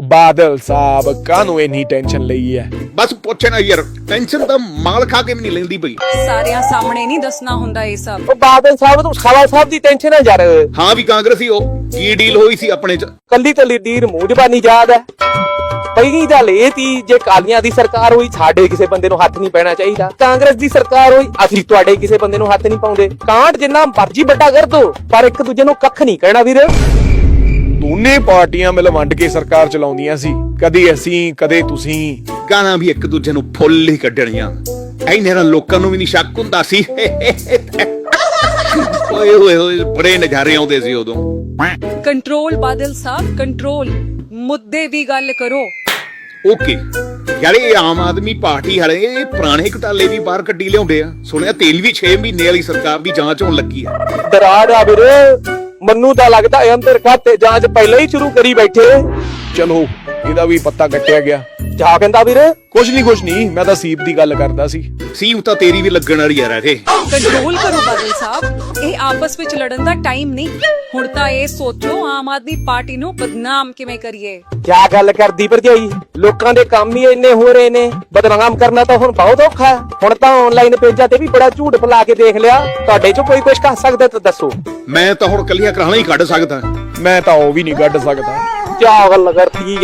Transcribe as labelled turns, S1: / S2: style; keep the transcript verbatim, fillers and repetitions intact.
S1: ਬਾਦਲ ਸਾਹਿਬ ਕਾਹਨੂੰ ਇੰਨੀ ਟੈਨਸ਼ਨ ਲਈ ਹੈ?
S2: ਬਸ ਪੁੱਛ ਨਾ ਯਾਰ, ਟੈਨਸ਼ਨ ਤਾਂ ਮਾਲ ਖਾ ਕੇ ਵੀ ਨਹੀਂ ਲੈਂਦੀ ਪਈ।
S3: ਸਾਰਿਆਂ ਸਾਹਮਣੇ ਨਹੀਂ ਦੱਸਣਾ ਹੁੰਦਾ ਇਹ ਸਭ।
S4: ਉਹ ਬਾਦਲ ਸਾਹਿਬ ਨੂੰ ਖਾਲਾ ਸਾਹਿਬ ਦੀ ਟੈਨਸ਼ਨ ਹੈ ਯਾਰ।
S2: ਹਾਂ ਵੀ ਕਾਂਗਰਸੀ ਉਹ ਕੀ ਡੀਲ ਹੋਈ ਸੀ ਆਪਣੇ ਚ?
S4: ਕੱਲੀ ਕੱਲੀ ਡੀਰ ਮੂੰਹ ਜ਼ਬਾਨੀ ਯਾਦ ਹੈ। ਪਹਿਲੀ ਗੱਲ ਇਹ ਤੀ, ਜੇ ਕਾਲੀਆਂ ਦੀ ਸਰਕਾਰ ਹੋਈ ਸਾਡੇ ਕਿਸੇ ਬੰਦੇ ਨੂੰ ਹੱਥ ਨਹੀਂ ਪੈਣਾ ਚਾਹੀਦਾ। ਕਾਂਗਰਸ ਦੀ ਸਰਕਾਰ ਹੋਈ ਅਸੀਂ ਤੁਹਾਡੇ ਕਿਸੇ ਬੰਦੇ ਨੂੰ ਹੱਥ ਨਹੀਂ ਪਾਉਂਦੇ। ਕਾਂਟ ਜਿੰਨਾ ਮਰਜੀ ਵੱਡਾ ਕਰ ਦੋ, ਪਰ ਇੱਕ ਦੂਜੇ ਨੂੰ ਕੱਖ ਨਹੀਂ ਕਹਿਣਾ ਵੀਰ।
S1: ਦੋਨੇ ਪਾਰਟੀਆਂ ਮਿਲ ਵੰਡ ਕੇ ਸਰਕਾਰ ਚਲਾਉਂਦੀਆਂ ਸੀ, ਕਦੇ ਅਸੀਂ ਕਦੇ ਤੁਸੀਂ।
S2: ਗਾਣਾ ਵੀ ਇੱਕ ਦੂਜੇ ਨੂੰ ਫੁੱਲ ਹੀ ਕੱਢਣੀਆਂ। ਐਨੇ ਨਾਲ ਲੋਕਾਂ ਨੂੰ ਵੀ ਨਹੀਂ ਸ਼ੱਕ ਹੁੰਦਾ ਸੀ। ਓਏ ਹੋਏ ਹੋਏ ਬੜੇ ਨਜ਼ਾਰੇ ਆਉਂਦੇ ਸੀ ਉਦੋਂ।
S3: Control Badal Sahib, control. ਮੁੱਦੇ ਦੀ ਗੱਲ ਕਰੋ।
S2: ਓਕੇ ਯਾਰ, ਇਹ ਆਮ ਆਦਮੀ ਪਾਰਟੀ ਵਾਲੇ ਇਹ ਪੁਰਾਣੇ ਘਟਾਲੇ ਵੀ ਬਾਹਰ ਕੱਢੀ ਲਿਆਉਂਦੇ ਆ। ਸੁਣਿਆ ਤੇਲ ਵੀ ਛੇ ਮਹੀਨੇ ਵਾਲੀ ਸਰਕਾਰ ਦੀ ਜਾਂਚ ਹੋਣ ਲੱਗੀ ਆ।
S4: ਦਰਾੜ ਆ ਵੀਰ, ਮੈਨੂੰ ਤਾਂ ਲੱਗਦਾ ਇਹ ਅੰਦਰ ਖਾਤੇ ਜਾਂਚ ਪਹਿਲਾਂ ਹੀ ਸ਼ੁਰੂ ਕਰੀ ਬੈਠੇ।
S1: ਚਲੋ ਇਹਦਾ ਵੀ ਪੱਤਾ ਕੱਟਿਆ ਗਿਆ।
S4: ਜਾ ਕਹਿੰਦਾ ਵੀਰ।
S1: ਕੁਛ ਨਹੀਂ ਕੁਛ ਨਹੀਂ, ਮੈਂ ਤਾਂ ਸੀਪ ਦੀ ਗੱਲ ਕਰਦਾ ਸੀ।
S2: ਸੀਮ ਤਾਂ ਤੇਰੀ ਵੀ ਲੱਗਣ ਵਾਲੀ ਯਾਰ। ਇਹ
S3: ਕੰਟਰੋਲ ਕਰੋ ਬਾਦਲ ਸਾਹਿਬ, ਇਹ ਆਪਸ ਵਿੱਚ ਲੜਨ ਦਾ ਟਾਈਮ ਨਹੀਂ। ਹੁਣ ਤਾਂ ਇਹ ਸੋਚੋ ਆਮ ਆਦਮੀ ਪਾਰਟੀ ਨੂੰ ਬਦਨਾਮ ਕਿਵੇਂ ਕਰੀਏ।
S4: ਕਿਆ ਗੱਲ ਕਰਦੀ ਭਰਜਾਈ, ਲੋਕਾਂ ਦੇ ਕੰਮ ਹੀ ਇੰਨੇ ਹੋ ਰਹੇ ਨੇ, ਬਦਨਾਮ ਕਰਨਾ ਤਾਂ ਹੁਣ ਬਹੁਤ ਔਖਾ ਹੈ। ਹੁਣ ਤਾਂ ਆਨਲਾਈਨ ਪੇਜਾਂ ਤੇ ਵੀ ਬੜਾ ਝੂਠ ਫੈਲਾ ਕੇ ਦੇਖ ਲਿਆ। ਤੁਹਾਡੇ ਚੋਂ ਕੋਈ ਕੁਝ ਕਰ ਸਕਦਾ ਤਾਂ ਦੱਸੋ।
S2: ਮੈਂ ਤਾਂ ਹੁਣ ਕੱਲੀਆਂ ਕਰਾਣਾ ਹੀ ਕੱਢ ਸਕਦਾ।
S1: ਮੈਂ ਤਾਂ ਉਹ ਵੀ ਨਹੀਂ ਕੱਢ ਸਕਦਾ।
S4: ਕਿਆ ਗੱਲ ਕਰਤੀ